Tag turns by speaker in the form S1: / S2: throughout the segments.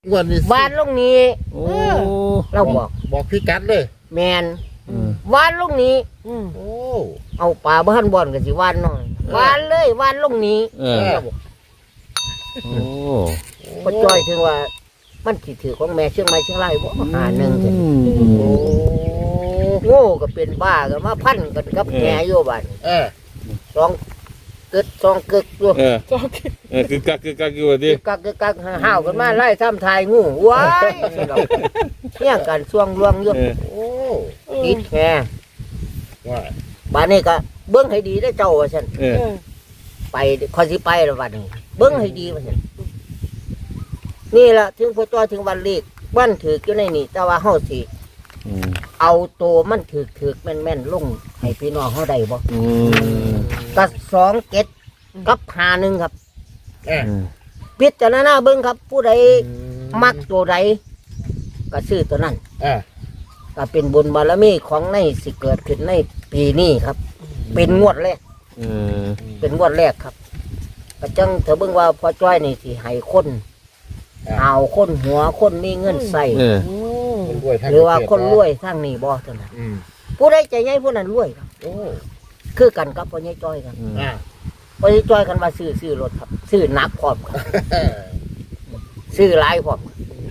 S1: วันนี้
S2: วานลงนี้
S3: โอ้
S2: เราบอก
S1: บอกพี่กัดเลย
S2: แมนวานลงนี้
S1: โอ้
S2: เอาปลาบ้านบ่อนกันสิวานหน่อยวานเลยวานลงนี้
S3: เราบอกโอ้
S2: ก็จ้อยถึงว่ามันสิถือของแม่เชียงใหม่เชียงรายบ่หาหนึ่งกัน
S1: โอ้
S2: โง่ก็เป็นบ้ากันมาพันกันกับแง่อยู่บ้านสองกึดสองกึกอยู่
S3: คือกักอยู่ดิ
S2: กักห้าวกันมาไล่ทำทายงูว้ายเนี่ยกันช่วงลวงอยู่
S1: โอ้
S2: ติดแง่
S1: ว่า
S2: บ้านนี้ก็เบิ้งให้ดีได้เจ้าว่าฉันไปคอยสิไปแล้ววันนี้เบิ้งให้ดีว่าฉันนี่แหละถึงพอจ้อยถึงวันเลขวันถืออยู่ในนี่แต่ว่าเฮาสิเอาโตมันถือแม่นลงให้พี่น้องเฮาได้บ่ก็2 7กับ5 1ครับพิจารณาเบิ่งครับผู้ใดมักตัวใดก็ซื้อตัวนั้นก็เป็นบุญบารมีของในสิเกิดขึ้นในปีนี้ครับเป็นงวดแรกเป็นงวดแรกครับก็จังเธอเบิ่งว่าพอจ้อยนี่สิให้คนเอาคนหัวคนมีเงินใส่หรือว่าคนรวยทางนี้บ่เท่านั้นผู้ใดใจใหญ่ผู้นั้นรวยครับคือกันกับพ่อใหญ่จ้อยกันพ่อใหญ่จ้อยกันมาซื้อรถครับซื้อนักพร้อมครับซื้อหลายพร้อม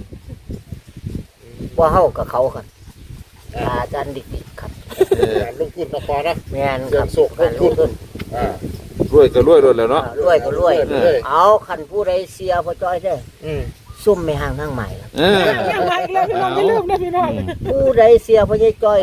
S2: ว่าเฮากับเขาครับอาจารย์ดิกครับ
S1: ลงทุนนะพอนะ
S2: แม่นครับสุกลงทุน
S3: รวยก็รวยรถแล้วเนาะ
S2: รวยก็รวยเอาคันผู้ใดเสียพ่อจ้อยเด้อซุ่มไม่ห่างทางใหม่ครับ
S4: ยังไงเลยพี่น้องไม่ลืมนะพี่น้อง
S2: ผู้ใดเสียพ่อใหญ่จ้อย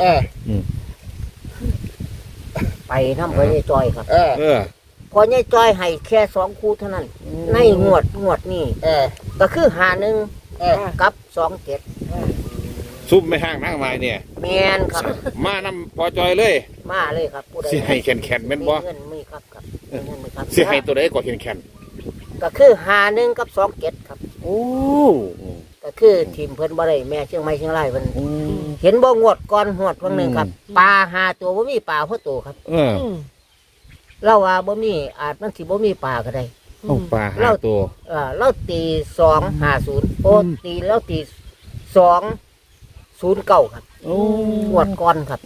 S2: ไปทำพ่อใหญ่จ้อยครับพ่อใหญ่จ้อยให้แค่2 คู่เท่านั้นในงวดนี่ก็คือ51กับ27
S3: ซุ่มไม่ห่างนั่งไม้เนี่ย
S2: แม่นครับ
S3: มานำพอจอยเลย
S2: มาเลยครับผู้ใด
S3: สิให้แข็งแม่นบ่
S2: เงินมีครับมีเงินมีครับ
S3: สิให้ตัวใดก็แข็ง
S2: ก็คือ51กับ27ครับ
S3: โอ้
S2: ก็คือทีมเพิ่นบ่ได้แม่เชียงใหม่เชียงรายเพิ่นเห็นบ่งวดก่อนงวดวันหนึงครับปลา5 ตัวบ่มีปลาเพราะตัวครับเราว่าบ่มีอาจมันสิบ่มีปลาก็ได้
S3: ปลาหาตัว
S2: เราตี250โอ้ตีแล้วตี209ครับงวดก่อนครับ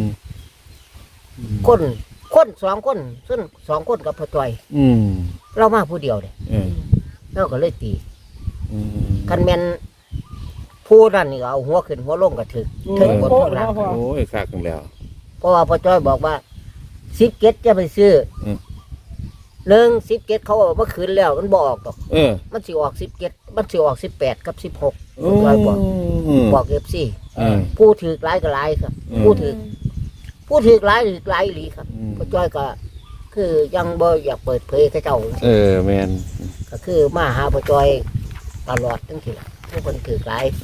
S2: คน2 คนซึ่ง2 คนกับพ่อจ้อยเรามาผู้เดียวเด้เราก็เลยตีคันแม่นผู้นั้นนี่ก็เอาหัวขึ้นหัวลงก็ถึกบนข้างล่าง
S3: โอ้ยคักกันแล้ว
S2: เพราะว่าพ่อจ้อยบอกว่า17จะไปซื้อ17เขาบอกว่าคืนแล้วมันบ่ออกดอกมันสิออก17มันสิออก18กับ16พ่อจ้อยบอก FC ผู้ถือหลายก็หลายครับผู้ถือหลายอีหลีครับพ่อจ้อยก็คือยังบ่อยากเปิดเผยให้เจ้า
S3: แม่น
S2: ก็คือมาหาพ่อจ้อยตลอดทั้งทีละผู้คนถือหลาย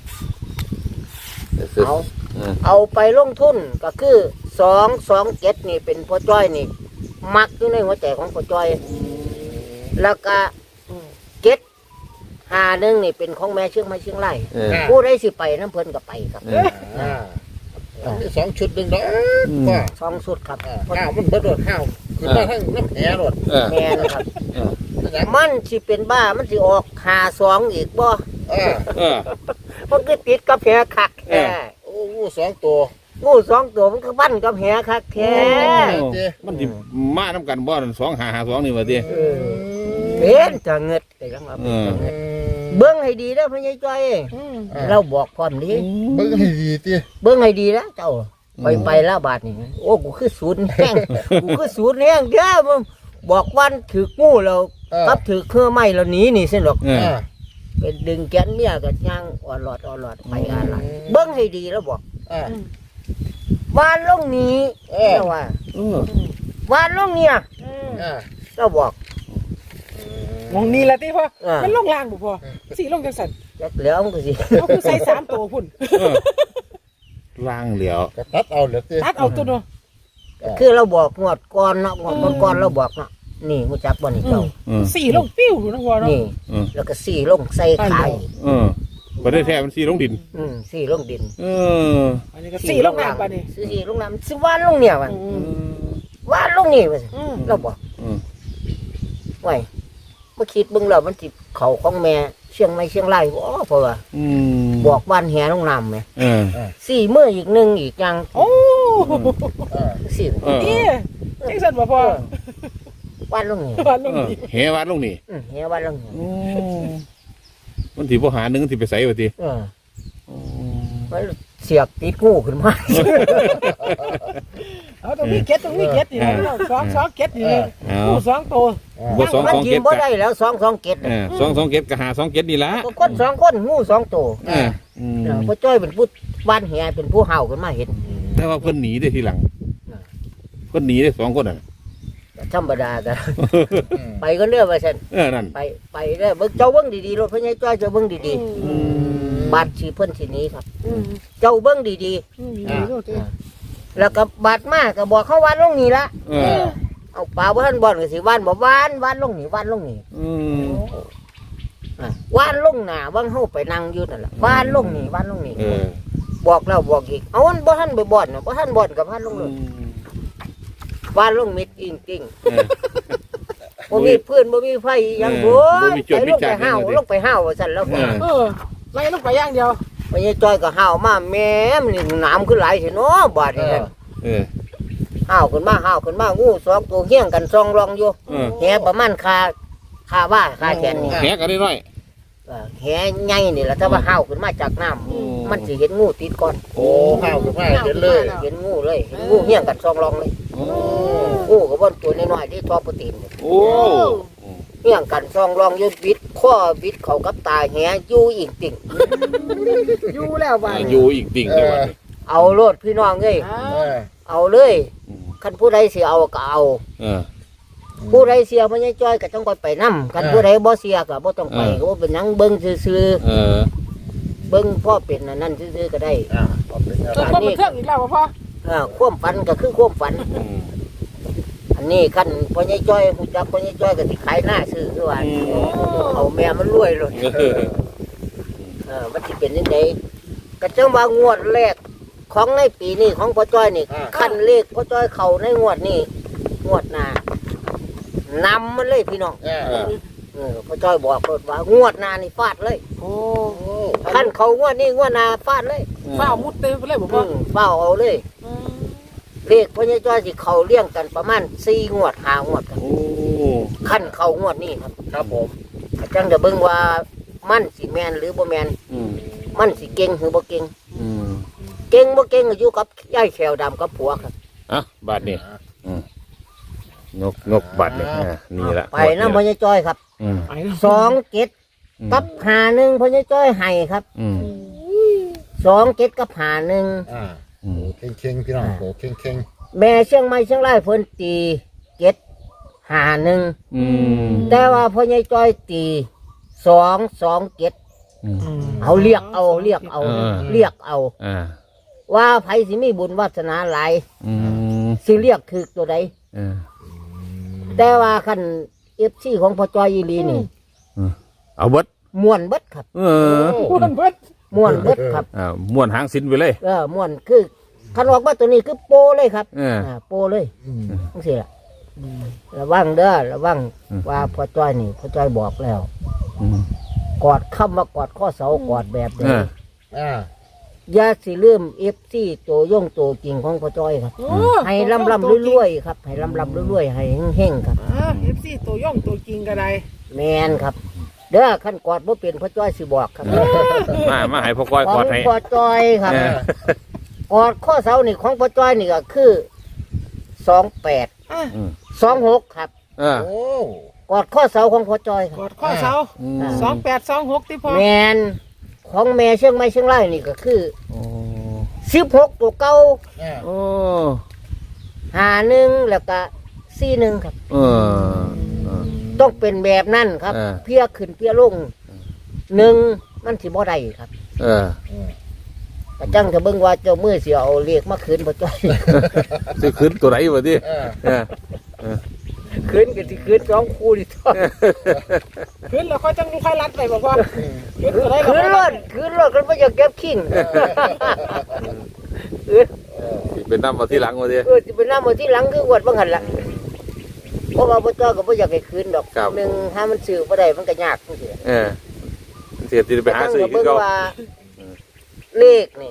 S2: เอาไปลงทุนก็คือ227นี่เป็นพ่อจ้อยนี่มักอยู่ในหัวใจของพ่อจ้อยแล้วก็751นี่เป็นของแม่เชียงใหม่เชียงรายผู้ใดสิไปน้ำเพิ่นก็ไปครับ
S1: 2 ชุดหนึ่งเนาะว่า
S2: 2 ชุดครับ
S1: ข้าวมันเบิดรถข้าวขึ้นมาทั้งน้ำแหรถ
S2: แม่นะครับมันสิเป็นบ้ามันสิออก52อีกบ่มันก็ติดกับแหคักแท้
S1: โอ้งู2 ตัว
S2: งู2 ตัวมันก็บั้นกับแหคักแท้
S3: มันสิมานํกันบ่2552นี่ว่าติ
S2: เป็นจะเงิดแต่ยังว่าเป็นเงิดเบิ่งให้ดีเด้อพ่อใหญ่จ้อยเราบอกพร้อมดี
S1: เบิ่งให้ดีติ
S2: เบิ่งให้ดีนะเจ้าไปแล้วบาดนี่โอ้กูคือศูนย์แห้งกูคือศูนย์แห้งเด้อมึงบอกวันถืองูแล้วกับถือเครื่องไม้แล้วหนีนี่ซั่นดอกเป็นดึงแกนเมียก็ย่างอ่อนหลอดไปอะไรเบิ่งให้ดีแล้วบอกวานลงนี้แล้วว่าวานลงเนี่ยเราบอก
S4: มองนี่แหละที่พ่อมันลงล่างบุพ่อสีลงจังสัน
S2: แล้วมันก็สิ
S4: เอาคือใส่3 ตัวพุ่น
S3: ล่างเหลียว
S1: ตัดเอาเหลือ
S4: ตัดเอาตัวเนาะ
S2: คือเราบอกงวดก่อนเนาะงวดก่อนเราบอกเนาะนี่รู้จักบ่นี่เจ้า
S4: สีลงปิ้วนะพ่อเนาะ
S2: นี่แล้วก็สีลงใส่ไข่
S3: บ่ได้แท้มันสีลงดิน
S2: สีลงดิน
S4: อันนี้ก็สีลงน้ำป่ะนี่
S2: สีลงน้ำสิวานลงเนี่ยว่ะวานลงนี่ว่าเราบอกไว้เมื่อคิดเบิ่งแล้วมันสิเข้าของแม่เชียงใหม่เชียงรายบ่เพราะว่า
S3: อืม
S2: บอกบ้านแหลงน้ำไหม
S3: เออ
S2: สี่มื้ออีกหนึ่งอีกอย่าง
S4: โอ้
S2: สี่
S3: เออ
S4: นี่จังซั่นบ่พ่อ
S2: บ้านลงนี่
S4: วันลงนี่
S3: เหวัดลงนี่
S2: แหบ้านลงนี่
S3: มันสิบ่หาหนึงสิไปใส่ว่าติ
S2: มันเสียกติดงูขึ้นมา
S4: เอาตรงนี้เก็ตนี่นะสองเก็ตนี่
S3: เอา
S4: ผู้สองตัว
S3: บ่สอง
S2: มัน
S3: สอง
S2: กิ
S3: เก็
S2: น
S3: ด
S2: บ่
S3: กะ
S2: ได้แล้ว2 2เกต
S3: สองเก็ดก็หา2เก็ดนี่ล่ะ
S2: ก็คน2คนงู2ตัว
S3: เอออืม
S2: พ่อจ้อยเป็นผู้บ้านแหเป็นผู้เห่าขึ้นมาเห็น
S3: แต่ว่าเพิ่นหนีได้ทีหลังเพิ่นหนีได้2คนน่ะ
S2: ธรรมดากันไปกันเด้อว่าซั่น
S3: นั่น
S2: ไปเด้อเบิ่งเจ้าเบิ่งดีๆรถพญาจ้อยเจ้าเบิ่งดีๆบาดสิเพิ่นสิหนี้ครับ เจ้าเบิ่งดีๆแล้วก็บาดมาก็บอกเขาวันลงนี่ละ
S3: เออ
S2: เอาป่าบ่ทันบ่อนก็สิวันบ่วันลงนี่วันลงนี่
S3: อืม
S2: วันลงหน้าวังเฮาไปนั่งอยู่นั่นล่ะวันลงนี่วันลงนี่
S3: เออ
S2: บอกแล้วบอกอีกเอามันบ่ทันไปบ่อนน่ะบ่ทันบ่อนกับวันลงเลยวันลงมิดอิงติ่งบ่มีเพื่อนบ่มีไฟหยังโว้ยไปลงไปห้าวลงไปห้าวว่าซั่นแล้วก็
S4: ไล่ลงไปอย่างเดียว
S2: พญาจ้อยก็ห้าวมาแม่มันนี่น้ำขึ้นหลายสิเนาะบาดนี้นั่น
S3: เออ
S2: ห้าวขึ้นมางูสองตัวเฮี้ยงกันซองรองอยู่
S3: เออ
S2: แหประมาณคาว่าคาแขนนี่
S3: แหกันได้น้อย
S2: แหใหญ่นี่แหละถ้าว่าห้าวขึ้นมาจากน้ำมันสิเห็นงูติดก่อน
S1: โอ้ห้าวขึ้นมาเห็นเลย
S2: เห็นงูเลยเห็นงูเฮี้ยงกันซองรองเลย
S3: โอ้
S2: งูก็บ่นตัวน้อยๆที่ทอโปรตีนเนี่ย
S3: โอ้
S2: เฮี้ยงกันซองรองอยู่บิดข้อบิดเข้ากับตาแหอยู่อีกติ่ง
S4: อยู่แล้วบ้าน
S3: อยู่อีกติ่งเลยว่ะ
S2: เอาโลดพี่น้องเอ้ย เอาเลย คันผู้ใดสิเอาก็เอา
S3: เออ
S2: ผู้ใดเสียพญาจ้อยก็ต้องไปนํกันผู้ใดบ่เสียก็บ่ต้องไปก็บ่เป็นหยังเบิ่งซื่อ
S3: เออ
S2: ๆเบิ่งพ่อเป็นอันนั้นซื่อๆก็ได้
S1: เอาเป็นแนว
S4: ตัว
S1: ทาง
S4: คนบันเทิงอีกแล้วพ่อ
S2: ความฝันก็คือความฝัน
S3: อืม
S2: อันนี้คันพญาจ้อยฮู้จักพญาจ้อยก็สิขายหน้าซื้อคือว่าเอาแม่มันรวยเลย
S3: เออ
S2: มันสิเป็นจังไดก็จังว่างวดแรกของในปีนี้ของพ่อจ้อยนี่คันเลขพ่อจ้อยเข้าในงวดนี้งวดหน้านำมันเลยพี่น้อง พ่อจ้อยบอกเพิ่นว่างวดหน้านี่ฟาดเลย
S4: โอ้
S2: ขั้นเขางวดนี้งวดหน้าฟาดเลย
S4: ฝ้ามุดเต็มไปเลยพ่อ
S2: เฝ้าเอาเลยเลขพ่อใหญ่จ้อยสิเขาเลี้ยงกันประมาณ4 งวด5 งวดกัน
S3: โอ้
S2: ขั้นเขางวดนี้ครับ
S1: ครับผม
S2: จังจะเบิ่งว่ามันสิแมนหรือบ่แมน
S3: อืม
S2: มันสิเก่งหรือบ่เก่ง
S3: อืม
S2: เก่งบ่เก่งก็อยู่กับยายแขวดำกับผัวครับ
S3: อ่ะบาทนี่งกบาทนี่นี่ละ
S2: ไปนำพ่อใหญ่จ้อยครับ
S3: อืม
S2: 2 เกตกับ51พ่อใหญ่จ้อยให้ครับ
S3: อืม
S2: 2 เกตกับ51
S1: โอ้เข่งพี่น้องโอ้เข่ง
S2: แม่เชียงใหม่เชียงรายเพิ่นตีเกต51
S3: อืม
S2: แต่ว่าพ่อใหญ่จ้อยตี2 เกตเอาเรียกเอา เรียกเอา
S3: อ่า
S2: ว่าไผสิมีบุญวาสนาหลาย
S3: อืม
S2: สิเรียกคือตัวใด
S3: เออ
S2: แต่ว่าคันFCของพ่อจ้อยอีหลีนี่
S3: เอาเบิด
S2: ม่วนเบิดครับ
S3: เออ
S4: มันเบิด
S2: ม่วนเบิดครับ
S3: ม้วนหางสินไปเลย
S2: ม่วนคือคันออกมาตัวนี้คือโปเลยครับ
S3: เออ
S2: โปเลยจังซี่ล่ะระวังเด้อระวังว่าพ่อจ้อยนี่พ่อจ้อยบอกแล้ว
S3: อืม
S2: กอดคำว่ากอดข้อเสากอดแบบ
S3: เอ
S2: นี้
S3: อ
S2: อย่าสิลืมFCตัวย่งตัวจริงของพ่อจ้อยครับ ให้ลำรวยๆครับให้ลำรวยๆให้เฮงๆครับ
S4: FC ตัวย่องตัวจริงก็ได้
S2: แมนครับ เด้อขั้นกอดบ่เป็นพ่อจ้อยสิบอกครับ
S3: มาให้พ่อก้อย
S2: ข
S3: ก
S2: อ
S3: อง ดให้
S2: พ่อจ้อยครับ
S3: เออก
S2: อดข้อเสานี่ของพ่อจ้อยนี่ก็คือ28
S3: อืม
S2: 26ครับ
S3: เออ
S1: โอ้
S2: กอดข้อเสาของพ่อจ้อยค
S4: ก
S2: รับ
S4: อดข้อเสา
S3: อืม
S4: 2826ที่พ่อ
S2: แมนของแม่เชียงใหม่เชียงรายนี่ก็คือ
S3: โอ้
S2: 16ตัวเก่า
S3: โอ้
S2: 51แล้วก็41ครับ
S3: เออ
S2: ต้องเป็นแบบนั้นครับ เพียขึ้นเพียลง1มันสิบ่ได้ครับ
S3: เออ
S2: ก็จังจะเบิ่งว่าเจ้ามือสิเอาเลขมาคืนพ่อจ้อย
S3: สิขึ้นตัวไหนวะดิเออ
S2: คืนก็สิคืน2 คู่นี่ท้อ
S4: ขึ้นแล้วค่อยจังค่อยรัดไปบ่พ่อขึ้นก็ได้
S2: คืนรถกันบ่อยากเก็บขิงคืน
S3: สิเป็นน้ำมาที่หลังวะดิ
S2: สิไปนำเอาที่หลังคืออวดบ่หั่นล่ะเพราะว่าพ่อจ้อยก็บ่อยากให้คืนดอก
S3: ครับ
S2: หนึ่งถ้ามันซื้อบ่ได้มันก็ยากจังซี่
S3: เออเสียที่ไปหาซื้อ
S2: ก็
S3: คื
S2: เบิ่
S3: อง เขา
S2: ว่าเลขนี่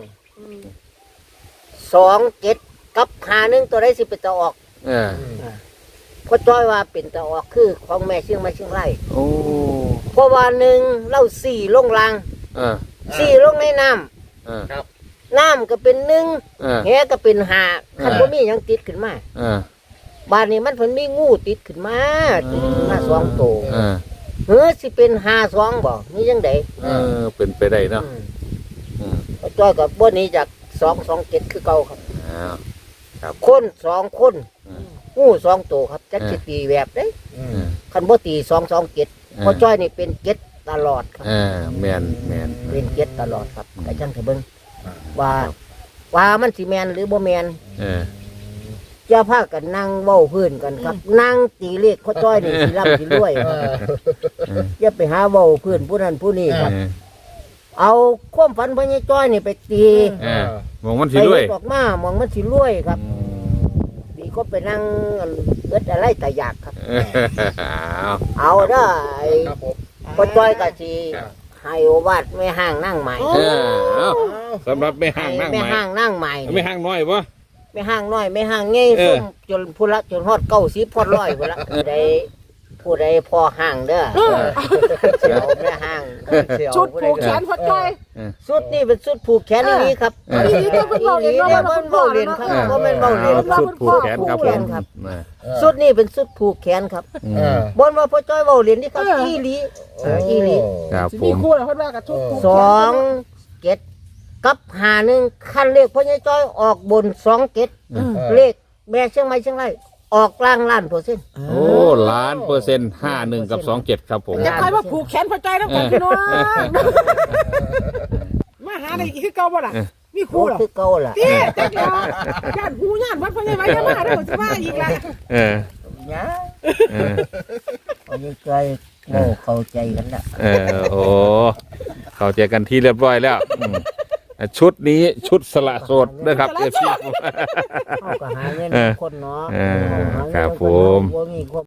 S2: 27กับ51ตัวใดสิเป็นตะออก
S3: เออ
S2: พ่อจ้อยว่าเป็นตะออกคือของแม่เชียงใหม่เชียงราย
S3: โอ้
S2: เพราะว่าหนึ่งเล่าสี่ลงล่าง
S3: เออ
S2: สี่ลงในน้
S3: เออ
S2: ำน้ำก็เป็นหนึ่ง
S3: เออ
S2: แหก็เป็นห้าคันบ่มีหยังติดขึ้นมา
S3: เออ
S2: บ้านนี้มันเพิ่นมีงูติดขึ้นมาติดขึ้นมาสองตัว
S3: เออ
S2: เฮ้อสิเป็น52บ่นี่จังได๋
S3: เออเป็นไปได้เนาะอืม
S2: พ่อจ้อยก็บ่หนี้จาก227คือเก่าครับ
S3: อ้าว
S2: คน2คน
S3: อืม
S2: งู2ตัวครับจักสิตีแบบเด้
S1: อืม
S2: คันบ่ตี227พ่อจ้อยนี่เป็น7ตลอดครับ
S3: เออแมน
S2: เป็น7ตลอดครับก็จังสิเบิ่งว่ามันสิแม่นหรือบ่แม่น
S3: เออ
S2: อย่าพากันนั่งเว้าพื้นกันครับ นั่งตีเลขพ่อจ้อยนี่สิร่ำสิรวย
S1: เอ
S2: ครับ
S1: อ
S2: อย่าไปหาเว้าพื้นผู้นั้นผู้นี้ครับ เอาความฝันพ่อใหญ่จ้อยนี่ไปตี
S3: เออมองมัน
S2: ไป
S3: สิด้วย
S2: เฮ็ดออกมามองมันสิรวยครับดีก็ไปนั่งเอิดอะไรแต่อยากครับ
S3: อ้าว
S2: เอาเด้อไอ้
S1: ครับผม
S2: พ่อจ้อยก็สิ
S3: ครับ
S2: ให้โอวาทแม่ห้างนั่งใหม่
S3: เออเอาสำหรับไม่ห่างนั่ง
S2: แม่
S3: ใหม่
S2: ห้างนั่งใหม่
S3: ไม่ห่างน้อยปะ
S2: แม่ห้างน้อยแม่ห้างใหญ่
S3: เออ
S2: ส้มจนพุ่นละจนฮอด90ฮอด100พุ่นละผู้ใดพอห้างเด้อเสียวแม่ห้างเสียว
S4: ชุด
S2: ผู้
S4: ผูกแขนพ่อจ้อย
S2: สุดนี่เป็นสุดผูกแขนอย่างนี้ครับ
S3: เออ
S4: นี่ก็เป็นเบาเรียน
S2: นี่
S4: ว่า
S2: เนี่ย
S4: มั
S2: มัน นเบาเรียนครับก็เป็นเบาเรียน
S3: สุดผูกแขนครับผม
S2: ครับ
S3: เออ
S2: สุดนี่เป็นสุดผูกแขนครับ
S1: เออบ
S2: นว่าพ่อจ้อยเบาเรียนนี่ครับอีหลีอีหลี
S3: ครับผ
S4: มี
S3: ม
S4: คู่แล้วเพิ่นว่ากับชุดผูก
S2: สองเจ็ดกับ51คันเลขพ่อใหญ่จ้อยออกบน27เลขแม่เชียงใหม่เชียงรายออกล่างล้านเปอร์เซ็นต์
S3: โอ้1,000,000% 51 กับ 27 ครับผม
S4: จะใครว่าผูกแขนพ่อจ้อยน้ำกันพี่น้องมาหาได้อีกคือเก่าบ่ล่ะมี
S2: โอ้
S4: คู่เหรอ
S2: คือเก่าล่ะ
S4: เตี้ยจักแล้วย่านหูย่านวัดพ่อใหญ่ไว้ยังมาได้บ่สิว่าอีกล่ะ
S3: เออ
S2: เนี่ย
S3: เออ
S2: พ่อใหญ่จ้อยโง่เข้าใจกันละ
S3: เออโอ้เข้าใจกันที่เรียบร้อยแล้วชุดนี้ชุดสละโสดนะครับเอฟซี
S2: เขาก็หาเงินคนเนาะ
S3: ครับผม
S2: บ่มีความ